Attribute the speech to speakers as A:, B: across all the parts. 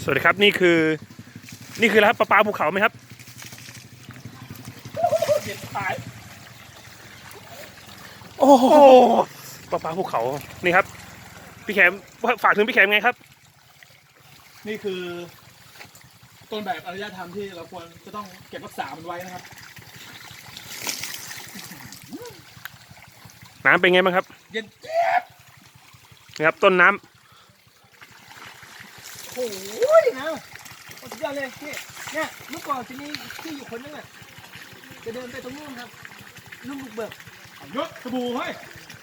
A: สวัสดีครับนี่คืออะไรครับปลาภูเขาไหมครับเด็ดตายโอ้โหปลาภูเขานี่ครับพี่แขมฝากถึงพี่แขมไงครับ
B: นี่คือต้นแบบอารยธรรมที่เราควรจะต้องเก็บรักษามันไว้นะครับ
A: น้ำเป็นไงบ้างครับ
B: เย็นเจี๊ยบ
A: นี่ครับต้นน้ำ
C: โอ้ยนะสุดยอดเลยพี่เนี่ยเมื่อก่อนจะมีที่อยู่คนนึงอ่ะจะเดินไปตรงนู้นครับลุงบุกเบิก
B: เยอะสบู่เฮ้ย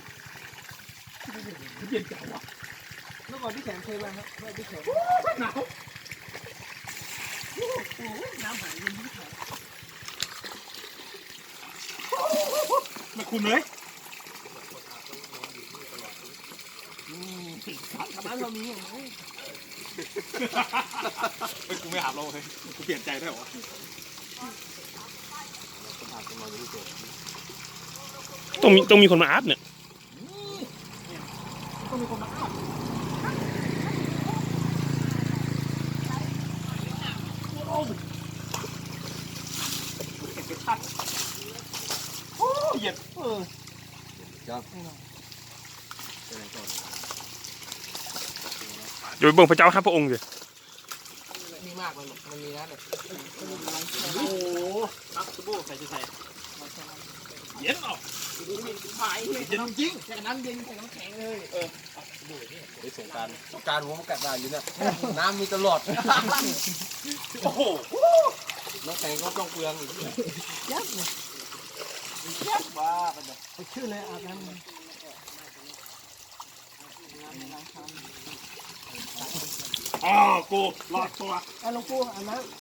B: เย็นจังวะ
C: เมื่อก่อนพี่แขมเคยมาครับเมื่อพี่แขม
B: หนาว
C: โอ้โหน้ำหายเย็นพี่แขม
B: ไม่คุณเลย
C: น้ำเรามีอย่างนี้
B: เฮ้ยกูไม่อาบเราเลยกูเปลี่ยนใจได้หรอ
A: ต้องมีคนมาอาบเนี่ย
C: ต้องมีคนมาอาบ
B: โอ้เย็น
C: ครับ
A: อยู่ไปเบิ่งพระเจ้าข้าพระองค์สิ
C: มีมากเลยมันมีนะแบบ
B: โอ้โหรับสบู่ใส่จะใส่เย็นหรอ
C: หายเลย
B: เย็นจริง
C: จากน้ำเย็นจากน้ำแข็งเลย
D: ไปสงการผมกัดได้อยู่เนี่ยน้ำมีตลอด
B: โอ้โห
D: น้ำแข็งก็ต้องเปลืองอีก
C: ยับเลย
D: ว้า
C: ไปชื่อเลยอาบน้ำเลย
B: อ๋อกูรอดตัว
C: หลวงปู่อาบน้ำ